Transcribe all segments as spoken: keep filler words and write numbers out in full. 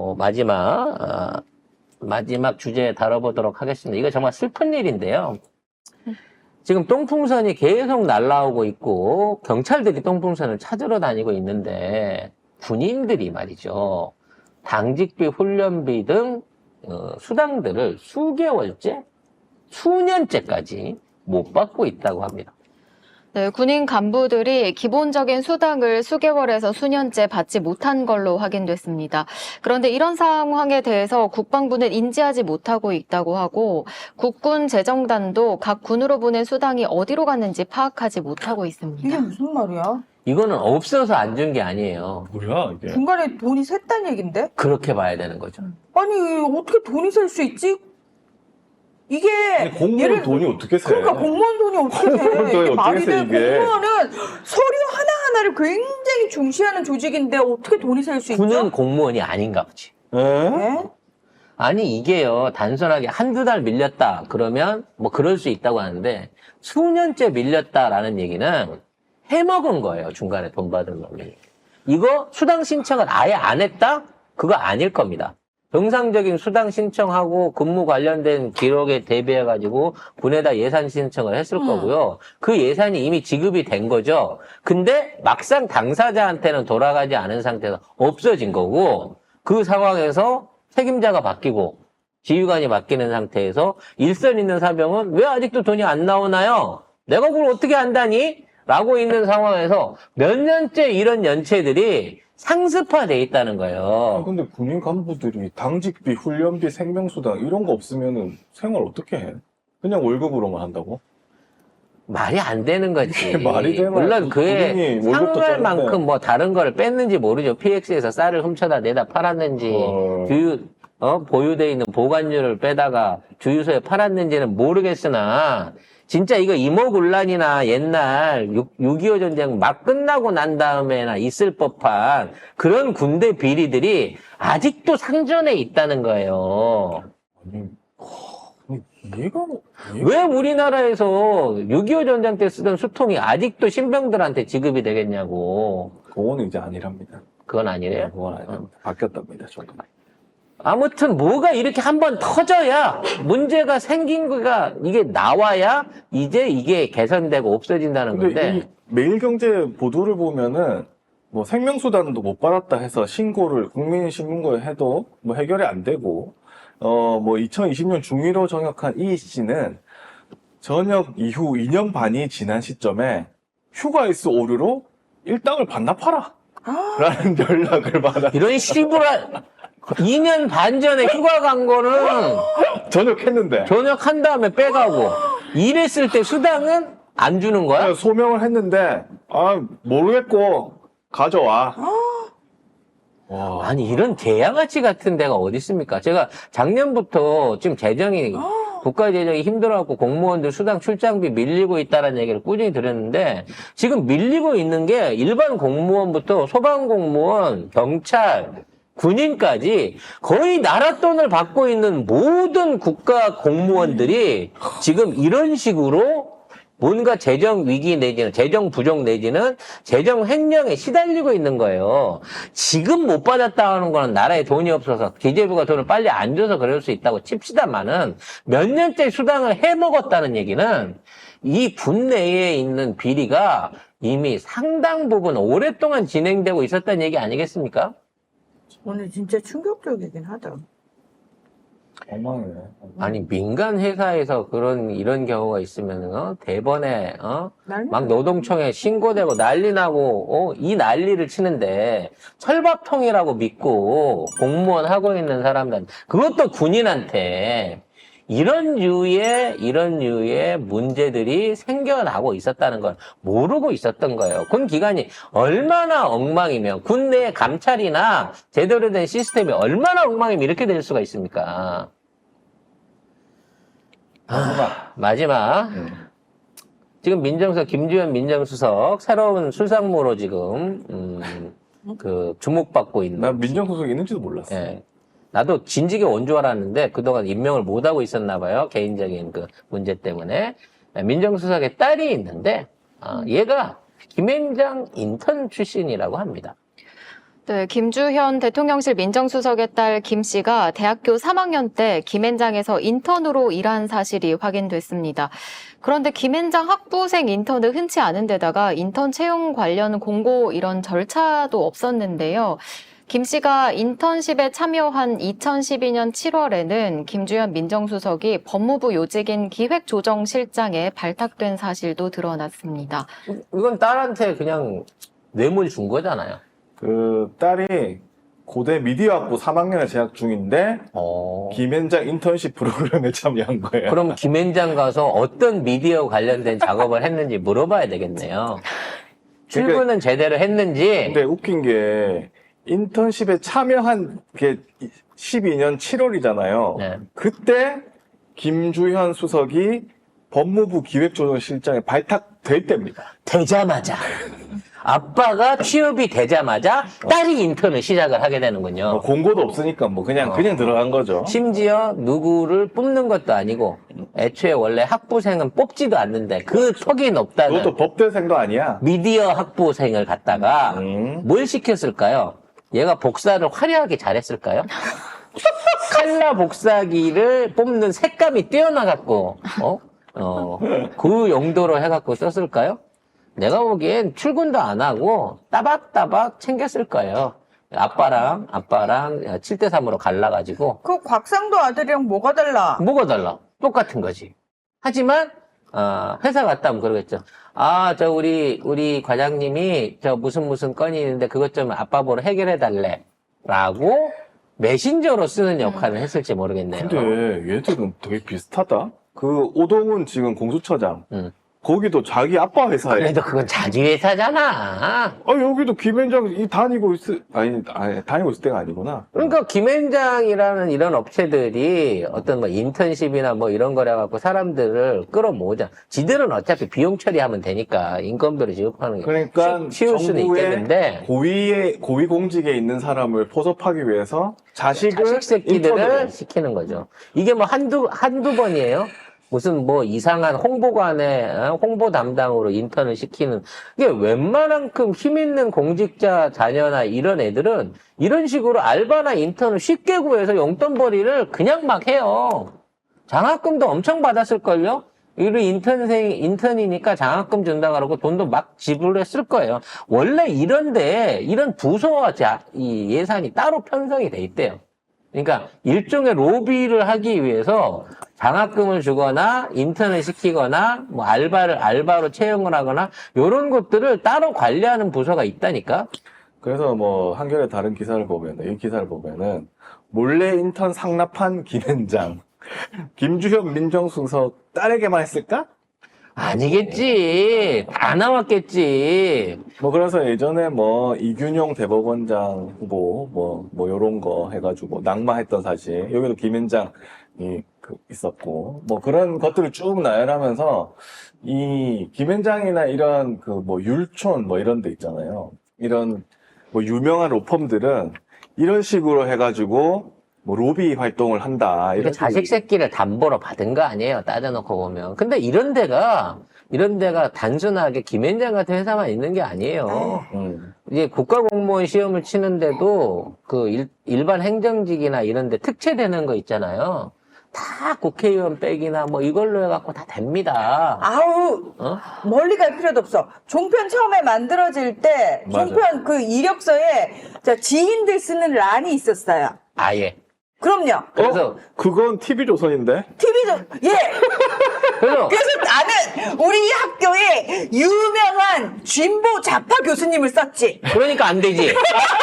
어, 마지막 어, 마지막 주제 다뤄보도록 하겠습니다. 이거 정말 슬픈 일인데요. 지금 똥풍선이 계속 날라오고 있고 경찰들이 똥풍선을 찾으러 다니고 있는데 군인들이 말이죠. 당직비, 훈련비 등 어, 수당들을 수개월째, 수년째까지 못 받고 있다고 합니다. 네, 군인 간부들이 기본적인 수당을 수개월에서 수년째 받지 못한 걸로 확인됐습니다. 그런데 이런 상황에 대해서 국방부는 인지하지 못하고 있다고 하고 국군 재정단도 각 군으로 보낸 수당이 어디로 갔는지 파악하지 못하고 있습니다. 이게 무슨 말이야? 이거는 없어서 안 준 게 아니에요. 뭐야 이게? 중간에 돈이 샜다는 얘긴데? 그렇게 봐야 되는 거죠. 아니 어떻게 돈이 셀 수 있지? 이게 아니, 공무원 얘를- 돈이 어떻게 세? 그러니까 공무원 돈이 어떻게 공무원 돼? 돈이 이게 어떻게 말이 세, 돼? 이게? 공무원은 서류 하나하나를 굉장히 중시하는 조직인데 어떻게 돈이 셀 수 있죠? 군은 공무원이 아닌가 보지. 에? 네? 아니 이게요 단순하게 한두 달 밀렸다 그러면 뭐 그럴 수 있다고 하는데 수년째 밀렸다라는 얘기는 해먹은 거예요. 중간에 돈 받은 놈이. 이거 수당 신청을 아예 안 했다? 그거 아닐 겁니다. 정상적인 수당 신청하고 근무 관련된 기록에 대비해가지고 군에다 예산 신청을 했을 음. 거고요. 그 예산이 이미 지급이 된 거죠. 근데 막상 당사자한테는 돌아가지 않은 상태에서 없어진 거고 그 상황에서 책임자가 바뀌고 지휘관이 바뀌는 상태에서 일선 있는 사병은 왜 아직도 돈이 안 나오나요? 내가 그걸 어떻게 안다니? 라고 있는 상황에서 몇 년째 이런 연체들이 상습화돼 있다는 아, 거예요. 근데 군인 간부들이 당직비, 훈련비, 생명수당 이런 거 없으면은 생활 어떻게 해? 그냥 월급으로만 한다고? 말이 안 되는 거지. 말이 되나? 물론 그에 군인이 월급도 상할 짜는데. 만큼 뭐 다른 거를 뺐는지 모르죠. 피엑스에서 쌀을 훔쳐다 내다 팔았는지, 어. 주유, 어, 보유돼 있는 보관료를 빼다가 주유소에 팔았는지는 모르겠으나, 진짜 이거 이모군란이나 옛날 육이오 전쟁 막 끝나고 난 다음에나 있을 법한 그런 군대 비리들이 아직도 상존해 있다는 거예요. 아니, 아니 이해가 왜 우리나라에서 육이오 전쟁 때 쓰던 수통이 아직도 신병들한테 지급이 되겠냐고. 그거는 이제 아니랍니다. 그건 네, 아니래요. 그건 아니랍니다. 바뀌었답니다. 조금. 아무튼 뭐가 이렇게 한번 터져야 문제가 생긴 거가 이게 나와야 이제 이게 개선되고 없어진다는 근데 건데 이 매일경제 보도를 보면은 뭐 생명수단도 못 받았다 해서 신고를 국민신문고에 해도 뭐 해결이 안 되고 어 뭐 이천이십 년 중위로 전역한 이 씨는 전역 이후 이 년 반이 지난 시점에 휴가일수 오류로 일당을 반납하라 아, 라는 연락을 받아 이런 씨부라 이 년 반 전에 휴가 간 거는 전역했는데 전역한 다음에 빼가고 일했을 때 수당은 안 주는 거야? 그냥 소명을 했는데 아 모르겠고 가져와. 와. 아니 이런 개양아치 같은 데가 어디 있습니까? 제가 작년부터 지금 재정이 국가 재정이 힘들어갖고 공무원들 수당 출장비 밀리고 있다는 얘기를 꾸준히 들었는데 지금 밀리고 있는 게 일반 공무원부터 소방공무원, 경찰, 군인까지 거의 나라 돈을 받고 있는 모든 국가 공무원들이 지금 이런 식으로 뭔가 재정 위기 내지는 재정 부족 내지는 재정 횡령에 시달리고 있는 거예요. 지금 못 받았다 하는 거는 나라에 돈이 없어서 기재부가 돈을 빨리 안 줘서 그럴 수 있다고 칩시다마는 몇 년째 수당을 해먹었다는 얘기는 이 분내에 있는 비리가 이미 상당 부분 오랫동안 진행되고 있었다는 얘기 아니겠습니까? 오늘 진짜 충격적이긴 하다. 엉망이네. 아니 민간 회사에서 그런 이런 경우가 있으면 어? 대번에 어? 난리 막 노동청에 신고되고 난리 나고 어? 이 난리를 치는데 철밥통이라고 믿고 공무원 하고 있는 사람들 그것도 군인한테 이런 류의 이런 류의 문제들이 생겨나고 있었다는 걸 모르고 있었던 거예요. 군 기관이 얼마나 엉망이면 군 내 감찰이나 제대로 된 시스템이 얼마나 엉망이면 이렇게 될 수가 있습니까? 아, 마지막 음. 지금 민정수석 김주현 민정수석 새로운 술상무로 지금 음, 그 주목받고 있는. 난 민정수석이 있는지도 몰랐어. 예. 나도 진직에 온 줄 알았는데 그동안 임명을 못 하고 있었나 봐요. 개인적인 그 문제 때문에. 민정수석의 딸이 있는데 어, 얘가 김앤장 인턴 출신이라고 합니다. 네, 김주현 대통령실 민정수석의 딸 김 씨가 대학교 삼 학년 때 김앤장에서 인턴으로 일한 사실이 확인됐습니다. 그런데 김앤장 학부생 인턴은 흔치 않은 데다가 인턴 채용 관련 공고 이런 절차도 없었는데요. 김 씨가 인턴십에 참여한 이천십이 년 칠월에는 김주현 민정수석이 법무부 요직인 기획조정실장에 발탁된 사실도 드러났습니다. 이건 딸한테 그냥 뇌물 준 거잖아요. 그 딸이 고대 미디어학부 삼 학년에 재학 중인데 어. 김앤장 인턴십 프로그램에 참여한 거예요. 그럼 김앤장 가서 어떤 미디어 관련된 작업을 했는지 물어봐야 되겠네요. 출근은 제대로 했는지. 근데 웃긴 게 인턴십에 참여한 게 십이 년 칠월이잖아요. 네. 그때 김주현 수석이 법무부 기획조정실장에 발탁될 때입니다. 되자마자. 아빠가 취업이 되자마자 딸이 인턴을 시작을 하게 되는군요. 뭐 공고도 없으니까 뭐 그냥 어. 그냥 들어간 거죠. 심지어 누구를 뽑는 것도 아니고 애초에 원래 학부생은 뽑지도 않는데 그 턱이 높다는 그것도 법대생도 아니야. 미디어 학부생을 갖다가 음. 뭘 시켰을까요? 얘가 복사를 화려하게 잘했을까요? 칼라 복사기를 뽑는 색감이 뛰어나갖고 어? 어, 그 용도로 해갖고 썼을까요? 내가 보기엔 출근도 안 하고 따박따박 챙겼을 거예요. 아빠랑 아빠랑 칠 대 삼으로 갈라가지고 그 곽상도 아들이랑 뭐가 달라? 뭐가 달라? 똑같은 거지. 하지만 어, 회사 갔다 오면 그러겠죠. 아, 저 우리 우리 과장님이 저 무슨 무슨 건이 있는데 그것 좀 아빠 보러 해결해 달래. 라고 메신저로 쓰는 역할을 했을지 모르겠네요. 근데 얘들은 되게 비슷하다. 그 오동훈 지금 공수처장. 응. 거기도 자기 아빠 회사에. 그래도 그건 자기 회사잖아. 아, 여기도 김앤장이 다니고 있을, 아니, 아니, 다니고 있을 때가 아니구나. 그러니까 김앤장이라는 이런 업체들이 어떤 뭐 인턴십이나 뭐 이런 거래 갖고 사람들을 끌어모으자. 지들은 어차피 비용 처리하면 되니까 인건비를 지급하는 게 그러니까 치- 치울 수는 정부의 있겠는데 고위에, 고위 공직에 있는 사람을 포섭하기 위해서 자식을 자식 새끼들을 인턴으로. 시키는 거죠. 이게 뭐 한두 한두 번이에요. 무슨 뭐 이상한 홍보관에 어? 홍보 담당으로 인턴을 시키는 이게 웬만한큼 힘 있는 공직자 자녀나 이런 애들은 이런 식으로 알바나 인턴을 쉽게 구해서 용돈벌이를 그냥 막 해요. 장학금도 엄청 받았을걸요? 이리 인턴생, 인턴이니까 장학금 준다 그러고 돈도 막 지불했을 거예요. 원래 이런데, 이런 부서와 자, 이 예산이 따로 편성이 돼 있대요. 그러니까 일종의 로비를 하기 위해서 장학금을 주거나 인턴을 시키거나 뭐 알바를 알바로 채용을 하거나 이런 것들을 따로 관리하는 부서가 있다니까. 그래서 뭐 한겨레 다른 기사를 보면은 이 기사를 보면은 몰래 인턴 상납한 김앤장 김주현 민정수석 딸에게만 했을까? 아니겠지. 다 나왔겠지. 뭐 그래서 예전에 뭐 이균용 대법원장 후보 뭐 뭐 요런 거 해가지고 낙마했던 사실 여기도 김앤장이 그 있었고 뭐 그런 것들을 쭉 나열하면서 이 김앤장이나 이런 그 뭐 율촌 뭐 이런 데 있잖아요. 이런 뭐 유명한 로펌들은 이런 식으로 해가지고 뭐 로비 활동을 한다. 이게 이런 자식 새끼를 담보로 받은 거 아니에요. 따져놓고 보면. 근데 이런 데가 이런 데가 단순하게 김앤장 같은 회사만 있는 게 아니에요. 음. 이제 국가공무원 시험을 치는데도 그 일, 일반 행정직이나 이런 데 특채되는 거 있잖아요. 다 국회의원 백이나 뭐 이걸로 해갖고 다 됩니다. 아우 어? 멀리 갈 필요도 없어. 종편 처음에 만들어질 때 맞아요. 종편 그 이력서에 저 지인들 쓰는 란이 있었어요. 아예. 그럼요. 그래서 어? 그건 티비조선인데? 티비도 예. 그래서 그래서 나는 우리 학교에 유명한 진보 좌파 교수님을 썼지. 그러니까 안 되지.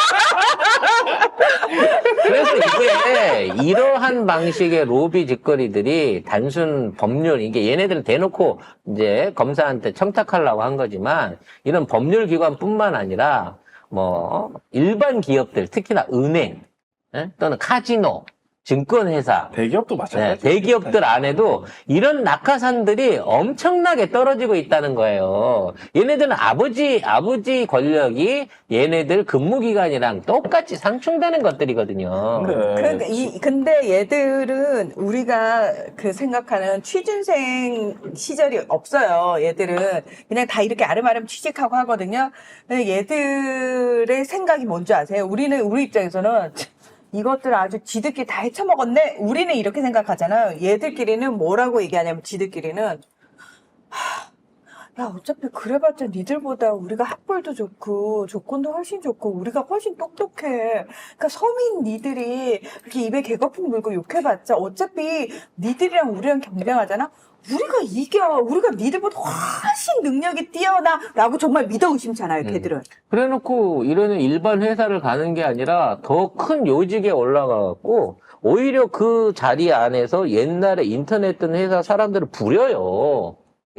그래서 이게 이러한 방식의 로비 짓거리들이 단순 법률, 이게 얘네들은 대놓고 이제 검사한테 청탁하려고 한 거지만 이런 법률 기관뿐만 아니라 뭐 일반 기업들, 특히나 은행 예? 또는 카지노, 증권회사, 대기업도 네, 마찬가지. 대기업들 안에도 이런 낙하산들이 엄청나게 떨어지고 있다는 거예요. 얘네들은 아버지, 아버지 권력이 얘네들 근무기간이랑 똑같이 상충되는 것들이거든요. 네. 그러니까 이 근데 얘들은 우리가 그 생각하는 취준생 시절이 없어요. 얘들은 그냥 다 이렇게 아름아름 취직하고 하거든요. 근데 얘들의 생각이 뭔지 아세요? 우리는 우리 입장에서는 이것들 아주 지들끼리 다 헤쳐먹었네? 우리는 이렇게 생각하잖아요. 얘들끼리는 뭐라고 얘기하냐면 지들끼리는 하, 야 어차피 그래봤자 니들보다 우리가 학벌도 좋고 조건도 훨씬 좋고 우리가 훨씬 똑똑해. 그러니까 서민 니들이 그렇게 입에 개거품 물고 욕해봤자 어차피 니들이랑 우리랑 경쟁하잖아. 우리가 이겨. 우리가 니들보다 훨씬 능력이 뛰어나. 라고 정말 믿어 의심잖아요, 걔들은. 그래놓고 이러는 일반 회사를 가는 게 아니라 더 큰 요직에 올라가갖고 오히려 그 자리 안에서 옛날에 인터넷 뜬 회사 사람들을 부려요.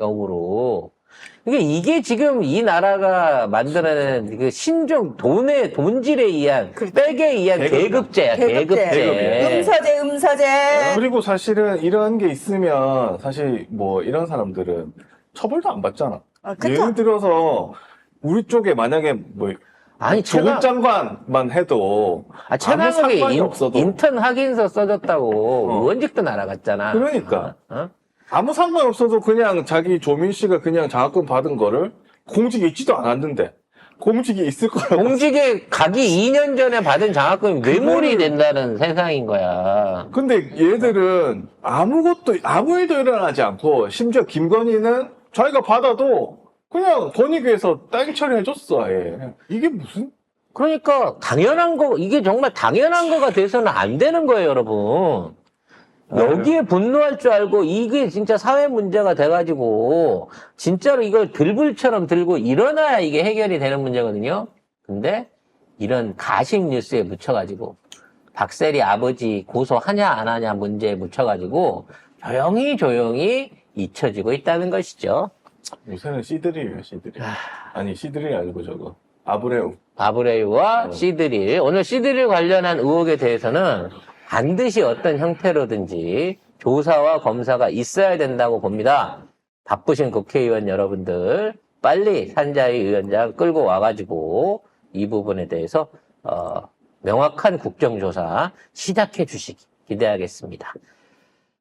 역으로. 그러니까 이게 지금 이 나라가 만들어낸 그 신종 돈의 돈질에 의한 그렇죠. 백에 의한 계급이야. 계급제야. 계급제. 계급제. 음서제, 음서제. 그리고 사실은 이런 게 있으면 사실 뭐 이런 사람들은 처벌도 안 받잖아. 아, 그쵸? 예를 들어서 우리 쪽에 만약에 뭐 아니 조국 최강 장관만 해도 아, 아무 최강욱이 상관이 인, 없어도 인턴 확인서 써줬다고 어. 의원직도 날아갔잖아. 그러니까. 어? 어? 아무 상관없어도 그냥 자기 조민 씨가 그냥 장학금 받은 거를 공직에 있지도 않았는데 공직이 있을 거라고. 공직에 가기 이 년 전에 받은 장학금이 뇌물이 된다는 세상인 거야. 근데 얘들은 아무것도 아무 일도 일어나지 않고 심지어 김건희는 자기가 받아도 그냥 권익위에서 땅 처리해줬어. 아예. 이게 무슨? 그러니까 당연한 거 이게 정말 당연한 거가 돼서는 안 되는 거예요, 여러분. 여기에 분노할 줄 알고 이게 진짜 사회 문제가 돼가지고 진짜로 이걸 들불처럼 들고 일어나야 이게 해결이 되는 문제거든요. 근데 이런 가식 뉴스에 묻혀가지고 박세리 아버지 고소하냐 안 하냐 문제에 묻혀가지고 조용히 조용히 잊혀지고 있다는 것이죠. 요새는 씨들이에요, 씨들이. 아니, 씨들이 아니고 저거. 아브레우. 아브레이와 어. 씨드릴. 오늘 씨드릴 관련한 의혹에 대해서는 반드시 어떤 형태로든지 조사와 검사가 있어야 된다고 봅니다. 바쁘신 국회의원 여러분들 빨리 산자위 위원장 끌고 와가지고 이 부분에 대해서 어, 명확한 국정조사 시작해 주시기 기대하겠습니다.